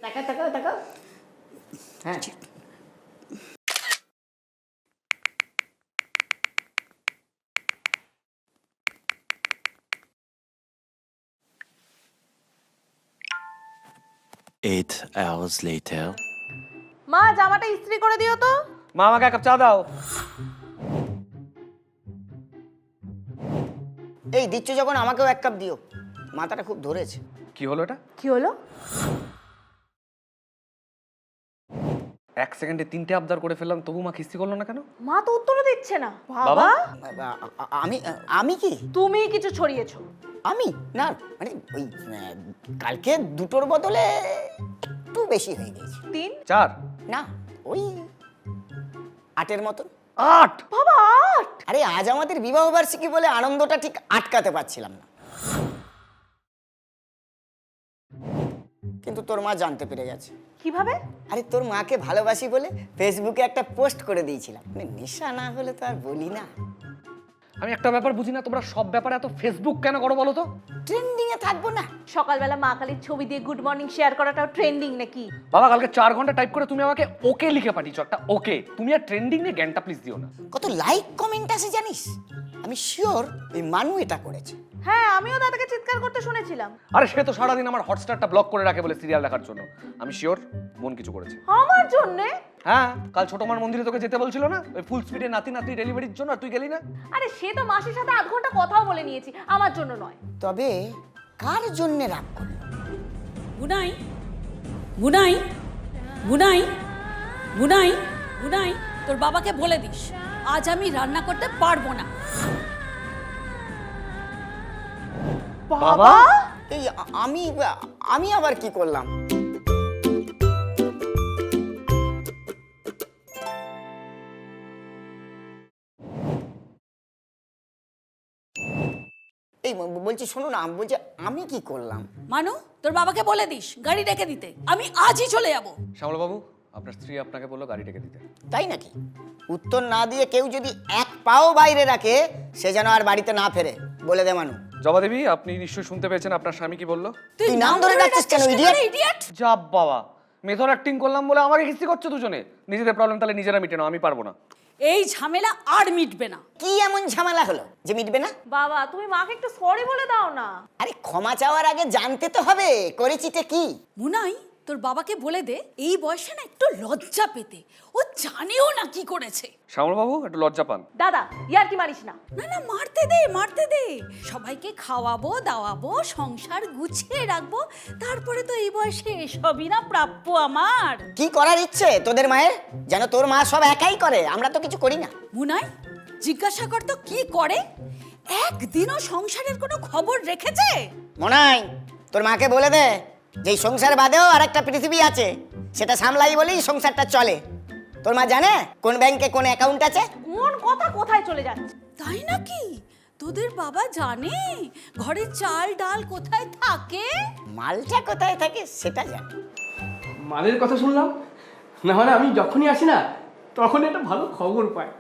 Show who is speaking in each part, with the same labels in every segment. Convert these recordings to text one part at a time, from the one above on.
Speaker 1: তাকাও তাকাও তাকাও। হ্যাঁ,
Speaker 2: Eight hours later.
Speaker 3: মা জামাটা ইস্ত্রি করে দিও তো।
Speaker 4: মা আমাকে এক কাপ চা দাও।
Speaker 1: এই দিচ্ছ যখন আমাকেও এক কাপ দিও, মাথাটা খুব ধরেছে।
Speaker 4: কি হলো এটা?
Speaker 3: কি হলো?
Speaker 4: এক সেকেন্ডে 3টে আবদার করে ফেললাম, তবু মা কিস্তি করলো না কেন?
Speaker 3: মা তো উত্তরও দিচ্ছে না।
Speaker 4: বাবা?
Speaker 3: বাবা
Speaker 1: আমি আমি কি
Speaker 3: তুমি কিছু ছড়িয়েছো।
Speaker 1: আমি না, মানে ওই কালকে দুটোর বদলে একটু বেশি হয়ে গেছে।
Speaker 3: 3
Speaker 4: 4
Speaker 1: না, ওই 8-এর মতন।
Speaker 4: 8
Speaker 3: বাবা 8।
Speaker 1: আরে আজ আমাদের বিবাহ বার্ষিকী বলে আনন্দটা ঠিক আটকাতে পারছিলাম না, কিন্তু তোর মা জানতে পেরে গেছে।
Speaker 3: কিভাবে?
Speaker 1: আরে তোর মাকে ভালোবাসি বলে ফেসবুকে একটা পোস্ট করে দিয়েছিলাম। মানে নেশা না হলে তো আর বলি না।
Speaker 4: আমি একটা ব্যাপার বুঝি না, তোমরা সব ব্যাপারে এত ফেসবুক কেন করো বলো তো?
Speaker 1: ট্রেন্ডিং এ থাকবো না?
Speaker 3: সকালবেলা মা কালীর ছবি দিয়ে গুড মর্নিং শেয়ার করাটাও ট্রেন্ডিং নাকি?
Speaker 4: বাবা কালকে 4 ঘন্টা টাইপ করে তুমি আমাকে ওকে লিখে পাঠিয়েছো, একটা ওকে। তুমি আর ট্রেন্ডিং নিয়ে জ্ঞানটা প্লিজ দিও না।
Speaker 1: কত লাইক কমেন্ট আসে জানিস? আমি শিওর ওই মানু এটা করেছে।
Speaker 3: হ্যাঁ, আমিও দাদাকে চিৎকার করতে শুনেছিলাম।
Speaker 4: আরে সে তো সারাদিন আমার হটস্টারটা ব্লক করে রাখে বলে সিরিয়াল দেখার জন্য। আমি শিওর মন কিছু করেছে।
Speaker 3: আমার জন্যে?
Speaker 4: হ্যাঁ, কাল ছোট মার মন্দিরে তোকে যেতে বলছিল না, ওই ফুল স্পিডে নাতি নাতি ডেলিভারির জন্য, আর তুই গেলি না।
Speaker 3: আরে সে তো মাসির সাথে 8 ঘন্টা কথাও বলে নিয়েছি, আমার জন্য নয়।
Speaker 1: তবে কার জন্য রাগ করলো?
Speaker 5: বুনাই বুনাই বুনাই বুনাই বুনাই তোর বাবাকে বলে দিস আজ আমি রান্না করতে পারবো না।
Speaker 3: বাবা?
Speaker 1: এই আমি আবার কি করলাম? এই বলছি শোনো না, বলছি আমি কি করলাম?
Speaker 5: মানু তোর বাবাকে বলে দিস গাড়ি ডেকে দিতে, আমি আজই চলে যাব।
Speaker 4: শ্যামল বাবু, আপনার স্ত্রী আপনাকে বললো গাড়ি ডেকে দিতে।
Speaker 1: তাই নাকি? উত্তর না দিয়ে কেউ যদি এক পাও বাইরে রাখে, সে যেন আর বাড়িতে না ফেরে, বলে দে মানু।
Speaker 4: জবা দেবী, আপনি নিশ্চয়ই শুনতে পেয়েছেন আপনার স্বামী কি বললো।
Speaker 1: তুই নাম ধরে ডাকছিস কেন,
Speaker 5: ইডিয়েট?
Speaker 4: যা বাবা, মেথড অ্যাক্টিং করলাম বলে আমাকে কিস্তি করছো দুজনে। নিজেদের প্রবলেম তাহলে নিজেরা মিটে নাও, আমি পারবো না।
Speaker 5: এই ঝামেলা আর মিটবে না।
Speaker 1: কি এমন ঝামেলা হলো যে মিটবে না?
Speaker 3: বাবা তুমি মাকে একটু সরি বলে দাও না।
Speaker 1: আরে ক্ষমা চাওয়ার আগে জানতে তো হবে করেছিটা কি।
Speaker 5: মুনাই তোর বাবাকে বলে দে এই বয়সে না একটু লজ্জা পেতে, ও জানেও না কি করেছে।
Speaker 4: শ্যামল বাবু একটু লজ্জা পান।
Speaker 3: দাদা ইয়ার কি মারিস না।
Speaker 5: না না মারতে দে সবাইকে খাওয়াবো দাওয়াবো সংসার গুছিয়ে রাখবো, তারপরে তো এই বয়সে এসবই না প্রাপ্য আমার।
Speaker 1: কি করার ইচ্ছে তোদের মায়ের? যেন তোর মা সব একাই করে, আমরা তো কিছু করি না।
Speaker 5: মুনাই জিজ্ঞাসা কর তো কি করে, একদিনও সংসারের কোনো খবর রেখেছে?
Speaker 1: মনাই তোর মাকে বলে দে যে এই সংসার বাদেও আরেকটা পৃথিবী আছে, সেটা সামলাই বলেই সংসারটা চলে। তোর মা জানে কোন ব্যাংকে কোন অ্যাকাউন্ট আছে?
Speaker 3: কোন কথা কোথায় চলে যাচ্ছে?
Speaker 5: তাই নাকি? তোদের বাবা জানে ঘরে চাল ডাল কোথায় থাকে?
Speaker 1: মালটা কোথায় থাকে সেটা জানে।
Speaker 6: মালের কথা শুনলাম না, মানে আমি যখনই আসি না তখনই একটা ভালো খবর পাই।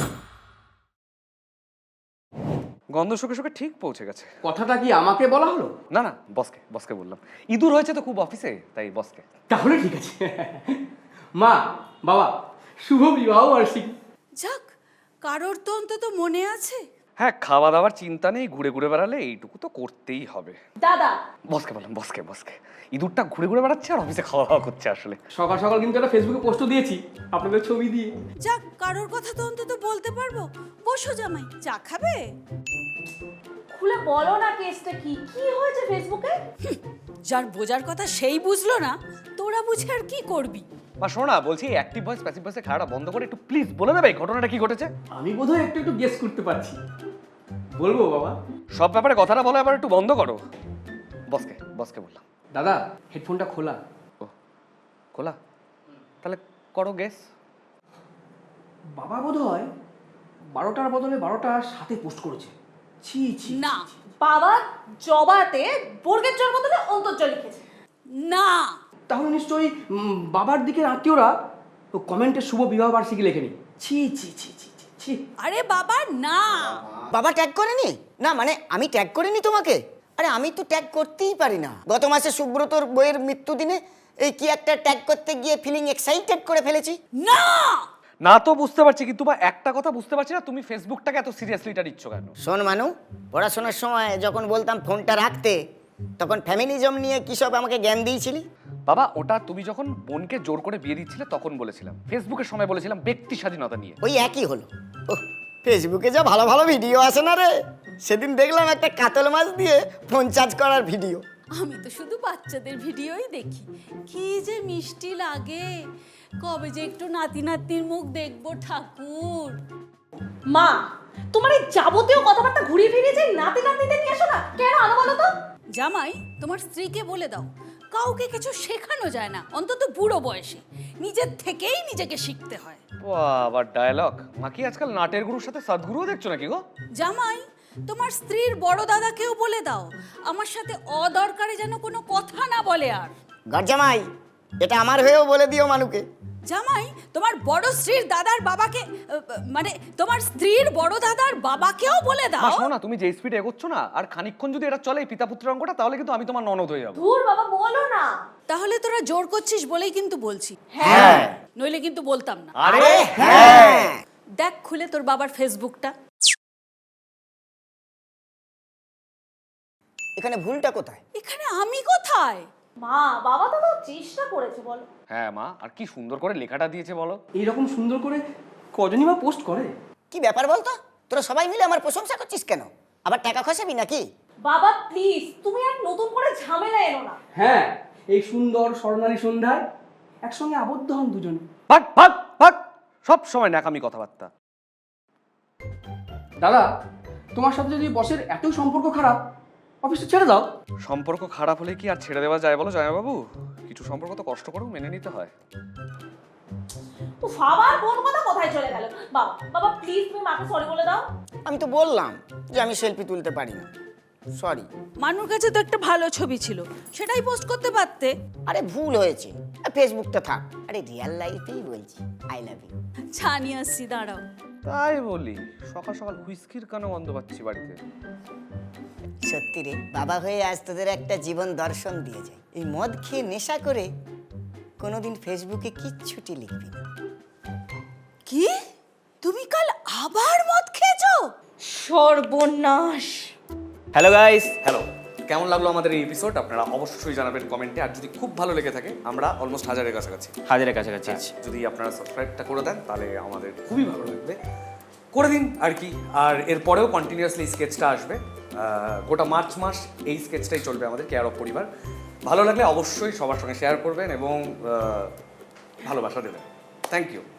Speaker 4: গন্ধ শুকে শুকে ঠিক পৌঁছে গেছে।
Speaker 6: কথাটা কি আমাকে বলা হলো?
Speaker 4: না না, বসকে বললাম। ইঁদুর হয়েছে তো খুব অফিসে, তাই বসকে।
Speaker 6: তাহলে ঠিক আছে। মা বাবা শুভ বিবাহ বার্ষিকী।
Speaker 5: যাক, কারোর তো অন্তত মনে আছে।
Speaker 4: হ্যাঁ, খাওয়া দাওয়ার চিন্তা নেই, ঘুরে ঘুরে বেড়ালে এইটুকু তো করতেই হবে।
Speaker 3: দাদা
Speaker 4: বসকে বললাম, বসকে। ইঁদুরটা ঘুরে ঘুরে বেড়াচ্ছে আর অফিসে খাওয়া দাওয়া করছে আসলে।
Speaker 6: সকাল সকাল কিন্তু একটা ফেসবুকে পোস্টও দিয়েছি আপনাদের ছবি দিয়ে।
Speaker 5: যাক, কারোর কথা তো অন্তত বলতে পারবো। বসো জামাই, চা খাবে?
Speaker 3: খুলে বলো না কেসটা কি কি হয়েছে ফেসবুকে?
Speaker 5: যার বোঝার কথা সেই বুঝলো না, তোরা বুঝে আর কি করবি?
Speaker 4: বা শোনা, বলছি অ্যাক্টিভ ভয়েস প্যাসিভ ভয়েসে খেলাটা বন্ধ করে একটু প্লিজ বলে দেবে ঘটনাটা কি ঘটেছে।
Speaker 6: আমি বোধহয় একটু একটু গেস করতে পারছি, বলবো বাবা?
Speaker 4: সব ব্যাপারে কথাটা বলো, এবার একটু বন্ধ করো। বসকে বললাম।
Speaker 6: দাদা হেডফোনটা খোলা।
Speaker 4: ও খোলা? তাহলে করো গেস।
Speaker 6: বাবা বোধহয় 12টার বদলে 12টার সাথে পোস্ট করেছে। ছি ছি
Speaker 5: না
Speaker 3: বাবা জবাতে বর্গের জল বদলে অন্তর্জল লিখেছে।
Speaker 5: না,
Speaker 6: তাহলে নিশ্চয়ই বাবার দিকের আত্মীয়রা কমেন্টে শুভ বিবাহ বার্ষিকী লেখেনি। ছি ছি ছি ছি ছি ছি।
Speaker 5: আরে বাবা না।
Speaker 1: বাবা ট্যাগ করেনি? না মানে আমি ট্যাগ করিনি তোমাকে? আরে আমি তো ট্যাগ করতেই পারি না। গত মাসে সুব্রতর বইয়ের মৃত্যুদিনে এই কি একটা ট্যাগ করতে গিয়ে ফিলিং এক্সাইটেড করে ফেলেছি।
Speaker 5: না
Speaker 4: না তো বুঝতে পারছি, কিন্তু বা একটা কথা বুঝতে পারছি না, তুমি ফেসবুকটাকে এত সিরিয়াসলিটা নিচ্ছ কেন?
Speaker 1: শোন মানু, পড়াশোনার সময় যখন বলতাম ফোনটা রাখতে, তখন ফ্যামিলিজম নিয়ে কি সব আমাকে জ্ঞান দিয়েছিলি।
Speaker 4: বাবা ওটা তুমি যখন বোনকে জোর করে বিয়ে দিচ্ছিলে তখন বলেছিলাম, ফেসবুকের সময় বলেছিলাম ব্যক্তি স্বাধীনতা নিয়ে।
Speaker 1: ওই একই হলো। ওহ, ফেসবুকে যা ভালো ভালো ভিডিও আসে না রে। সেদিন দেখলাম একটা কাতল মাছ দিয়ে ফোন চার্জ করার ভিডিও।
Speaker 5: আমি তো শুধু বাচ্চাদের ভিডিওই দেখি, কি যে মিষ্টি লাগে। কবে যে একটু নাতি নাতনির মুখ দেখবো ঠাকুর।
Speaker 3: মা, তোমার এই যাবতীয় কথাবার্তা ঘুরিয়ে ফিরিয়ে যে নাতি নাতনিদের নিয়ে আসো না, কেন আনো বলো তো?
Speaker 5: জামাই, তোমার স্ত্রীকে বলে দাও কাউকে কিছু শেখানো যায় না, অন্তত বুড়ো বয়সে নিজের থেকেই নিজেকে শিখতে হয়।
Speaker 4: আবার ডায়লগ। মা কি আজকাল নাটের গুরুর সাথে সদ্গুরুও দেখছো নাকি গো?
Speaker 5: জামাই, তোমার স্ত্রীর বড় দাদাকেও বলে দাও আমার সাথে অদরকারে যেন কোনো কথা না বলে। আর
Speaker 1: গরজামাই, এটা আমার হয়েও বলে দিও মানুকে।
Speaker 5: জামাই, তোমার বড় স্ত্রীর দাদার বাবাকে, মানে তোমার স্ত্রীর বড় দাদার বাবাকেও বলে
Speaker 4: মা
Speaker 5: দাও।
Speaker 4: শোনো না, তুমি যে স্পিডে এগোচ্ছ না, আর খানিকক্ষণ যদি এটা চলে এই পিতা পুত্রের অঙ্কটা, তাহলে কিন্তু আমি তোমার ননদ হয়ে যাবো।
Speaker 3: ধুর বাবা, বলো না।
Speaker 5: তাহলে তোরা জোর করছিস বলেই কিন্তু বলছি,
Speaker 1: হ্যাঁ।
Speaker 5: নইলে কিন্তু বলতাম না।
Speaker 4: আরে
Speaker 1: হ্যাঁ।
Speaker 5: দেখ খুলে তোর বাবার ফেসবুকটা।
Speaker 1: এখানে ভুলটা কোথায়?
Speaker 5: এখানে আমি কোথায়?
Speaker 3: মা, বাবা তো তাও চেষ্টা করেছে, বলো।
Speaker 4: হ্যাঁ মা, আর কি সুন্দর করে লেখাটা দিয়েছে বলো।
Speaker 6: এইরকম সুন্দর করে কজনই বা পোস্ট করে?
Speaker 1: কি ব্যাপার বলতো? তোরা সবাই মিলে আমার প্রশংসা করছিস কেন? আবার টাকা খসাবি নাকি?
Speaker 3: বাবা প্লিজ, তুমি আর নতুন করে ঝামেলা এনো না।
Speaker 6: হ্যাঁ, এই সুন্দর স্বর্ণালী সন্ধ্যায় একসঙ্গে আবদ্ধ হন দুজনে।
Speaker 4: ভাগ ভাগ ভাগ, সব সময় ন্যাকামি কথাবার্তা।
Speaker 6: দাদা, তোমার সাথে যদি বসের এত সম্পর্ক খারাপ, অফিসটা ছেড়ে দাও।
Speaker 4: সম্পর্ক খারাপ হলে কি আর ছেড়ে দেওয়া যায় বলো জয়াবাবু? কিছু সম্পর্ক তো কষ্ট করেও মেনে নিতে হয়।
Speaker 3: উফ, আবার কোন কথা কোথায় চলে গেল? বাবা, বাবা প্লিজ তুমি মাকে সরি বলে দাও।
Speaker 1: আমি তো বললাম যে আমি সেলফি তুলতে পারি না, সরি।
Speaker 5: মানুর কাছে তো একটা ভালো ছবি ছিল, সেটাই পোস্ট করতে পারতে।
Speaker 1: আরে ভুল হয়েছে, ফেসবুকটা থাক। আরে রিয়েল লাইফেই বলছি আই লাভ ইউ।
Speaker 5: ছানি আসছি, দাঁড়াও।
Speaker 4: তাই বলি, সকাল সকাল হুইস্কির কানে গন্ধ পাচ্ছি বাড়িতে।
Speaker 1: সত্যি রে, বাবা হয়ে আজ তোদের একটা জীবন দর্শন দিয়ে যায়। এই মদ খেয়ে নেশা করে কোনোদিন ফেসবুকে কিচ্ছুটি লিখবি না।
Speaker 5: কি, তুমি কাল আবার মদ খেয়েছো?
Speaker 3: সর্বনাশ।
Speaker 4: Hello guys, hello. কেমন লাগলো আমাদের এই এপিসোড আপনারা অবশ্যই জানাবেন কমেন্টে। আর যদি খুব ভালো লেগে থাকে, আমরা অলমোস্ট 1000-এর কাছাকাছি।
Speaker 2: হাজারের কাছাকাছি আছে।
Speaker 4: যদি আপনারা সাবস্ক্রাইবটা করে দেন তাহলে আমাদের খুবই ভালো লাগবে। করে দিন আর কি। আর এরপরেও কন্টিনিউয়াসলি স্কেচটা আসবে, গোটা মার্চ মাস এই স্কেচটাই চলবে আমাদের কেয়ার অফ পরিবার। ভালো লাগলে অবশ্যই সবার সঙ্গে শেয়ার করবেন এবং ভালোবাসা দেবেন। Thank you.